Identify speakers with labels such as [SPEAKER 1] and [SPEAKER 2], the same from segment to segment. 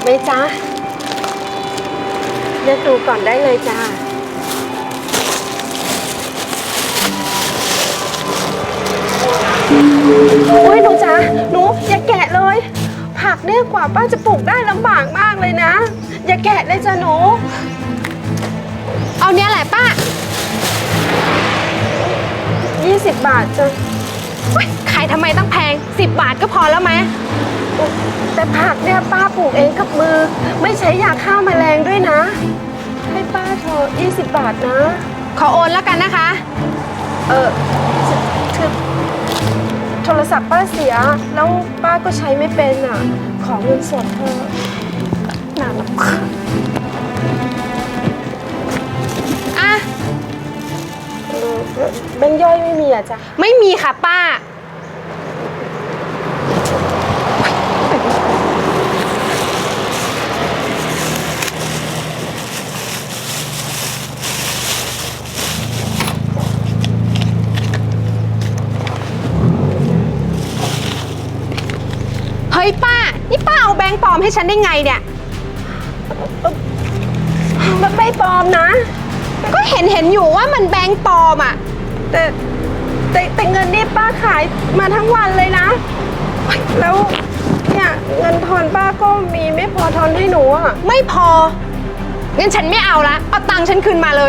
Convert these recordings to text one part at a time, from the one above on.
[SPEAKER 1] ไหมจ๊ะเลือกดูก่อนได้เลยจ้าโอ้ยหนูจ๊ะหนูอย่าแกะเลยผักเนี่ยกว่าป้าจะปลูกได้ลำบากมากเลยนะอย่าแกะเลยจ้ะหนู
[SPEAKER 2] เอาเนี้ยแหละป้า
[SPEAKER 1] 20 บาทจ้ะ
[SPEAKER 2] ขายทำไมตั้งแพง10 บาทก็พอแล้วไหม
[SPEAKER 1] แต่ผักเนี่ยป้าปลูกเองกับมือไม่ใช้ยาฆ่าแมลงด้วยนะให้ป้าเถอะ20 บาทนะ
[SPEAKER 2] ขอโอนแล้วกันนะคะ
[SPEAKER 1] คือโทรศัพท์ป้าเสียแล้วป้าก็ใช้ไม่เป็นอ่ะขอเงินสดเธอหนาลับ
[SPEAKER 2] อ่ะ
[SPEAKER 1] แบงค์ย่อยไม่มีอ่ะจ๊ะ
[SPEAKER 2] ไม่มีค่ะป้าเฮ้ยป้านี่ป้าเอาแบงค์ปลอมให้ฉันได้ไงเนี่ย
[SPEAKER 1] มันไม่ปลอมนะ
[SPEAKER 2] ก็เห็นอยู่ว่ามันแบงค์ปลอมอ่ะ
[SPEAKER 1] แต่เงินนี่ป้าขายมาทั้งวันเลยนะแล้วเนี่ยเงินทอนป้าก็มีไม่พอทอนให้หนูอ่ะ
[SPEAKER 2] ไม่พองั้นฉันไม่เอาละเอาตังค์ฉันคืนมาเลย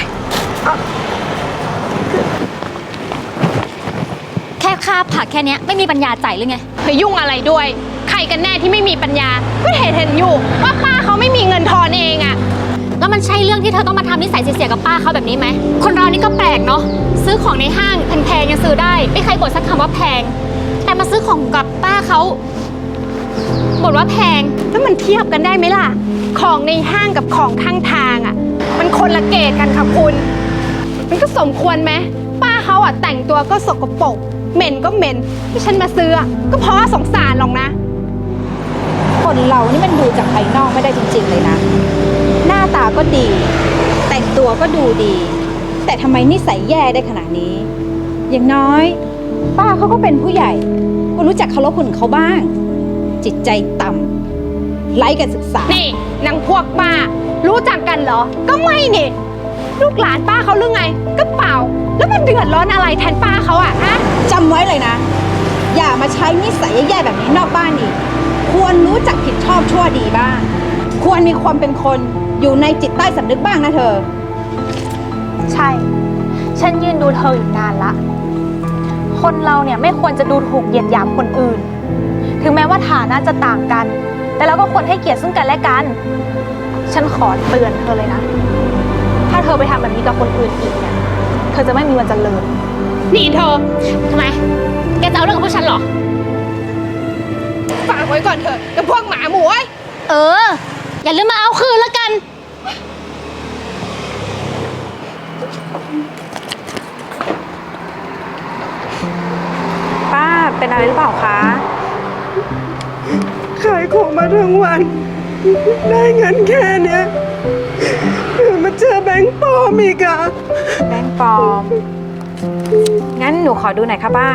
[SPEAKER 3] แค่ค่าผักแค่นี้ไม่มีปัญญาจ่ายหรือไง
[SPEAKER 2] เฮ้ยยุ่งอะไรด้วยใครกันแน่ที่ไม่มีปัญญาก็เห็นอยู่ว่าป้าเขาไม่มีเงินทอนเองอะ
[SPEAKER 3] แล้วมันใช่เรื่องที่เธอต้องมาทำนิสัยเสียๆกับป้าเขาแบบนี้ไหมคนเรานี่ก็แปลกเนาะซื้อของในห้างแพงๆยังซื้อได้ไม่เคยบ่นสักคำว่าแพงแต่มาซื้อของกับป้าเขาบ่นว่าแพง
[SPEAKER 2] แล้วมันเทียบกันได้ไหมล่ะของในห้างกับของข้างทางอะมันคนละเกรดกันค่ะคุณมันก็สมควรไหมป้าเขาอะแต่งตัวก็สกปรกเหม็นก็เหม็นที่ฉันมาซื้อก็เพราะสงสารหรอกนะ
[SPEAKER 4] คนเรานี่มันดูจากภายนอกไม่ได้จริงๆเลยนะหน้าตาก็ดีแต่งตัวก็ดูดีแต่ทำไมนิสัยแย่ได้ขนาดนี้อย่างน้อยป้าเขาก็เป็นผู้ใหญ่ก็รู้จักเคารพคุณเขาบ้างจิตใจต่ำไร้การศึกษา
[SPEAKER 2] นี่นางพวกป้ารู้จักกันเหรอก็ไม่นี่ลูกหลานป้าเขาหรือไงก็เปล่าแล้วมันเดือดร้อนอะไรแทนป้าเขาอะฮะ
[SPEAKER 4] จำไว้เลยนะอย่ามาใช้นิสัยแย่ๆแบบนี้นอกบ้านอีกควรรู้จักผิดชอบชั่วดีบ้างควรมีความเป็นคนอยู่ในจิตใต้สำนึกบ้างนะเธอ
[SPEAKER 5] ใช่ฉันยืนดูเธออยู่นานละคนเราเนี่ยไม่ควรจะดูถูกเหยียดหยามคนอื่นถึงแม้ว่าฐานะจะต่างกันแต่เราก็ควรให้เกียรติซึ่งกันและกันฉันขอเตือนเธอเลยนะถ้าเธอไปทำแบบนี้กับคนอื่นอีกเนี่ยเธอจะไม่มีวันเจริญ
[SPEAKER 2] นี่เธอ
[SPEAKER 3] ทำไมแกจะเอาเรื่องกับพวกฉันเหรอ
[SPEAKER 2] ฝากไว้ก่อนเถอะกับพวกหมาหมูไอ้
[SPEAKER 3] อย่าลืมมาเอาคืนแล้วกัน
[SPEAKER 4] ป้าเป็นอะไรหรือเปล่าคะ
[SPEAKER 1] ขายของมาทั้งวันได้เงินแค่เนี้ยมาเจอแบงค์ปลอมอีกอะ
[SPEAKER 4] แบงค์ปลอมงั้นหนูขอดูหน่อยค่ะป้า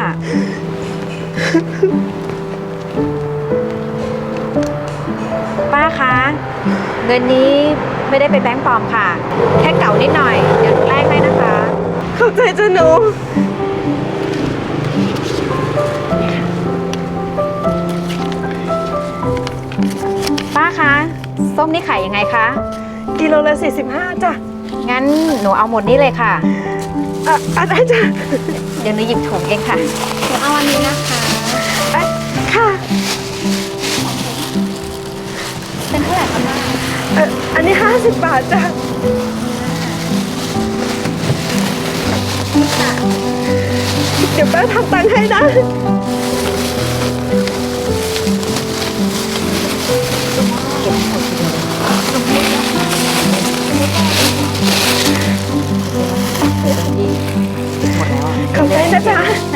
[SPEAKER 4] ป้าคะเงินนี้ไม่ได้เป็นแบงค์ปลอมค่ะแค่เก่านิดหน่อยเดี๋ยวหนูแลกให้นะคะ
[SPEAKER 1] เข้าใจจ้ะหนู
[SPEAKER 4] ป้าคะส้มนี่ขายยังไงคะ
[SPEAKER 1] กิโลละ45จ้ะ
[SPEAKER 4] งั้นหนูเอาหมดนี่เลยค่ะ
[SPEAKER 1] ได้จ้ะ
[SPEAKER 4] เดี๋ยวหนูหยิบถุงเองค่ะ
[SPEAKER 3] หนูเอาอันนี้นะคะ
[SPEAKER 1] ค่ะ
[SPEAKER 3] เป็นเท่าไหร่คะแม่
[SPEAKER 1] อันนี้50 บาทจ้ะเดี๋ยวป้าทำตังค์ให้นะขอบใจนะจ๊ะ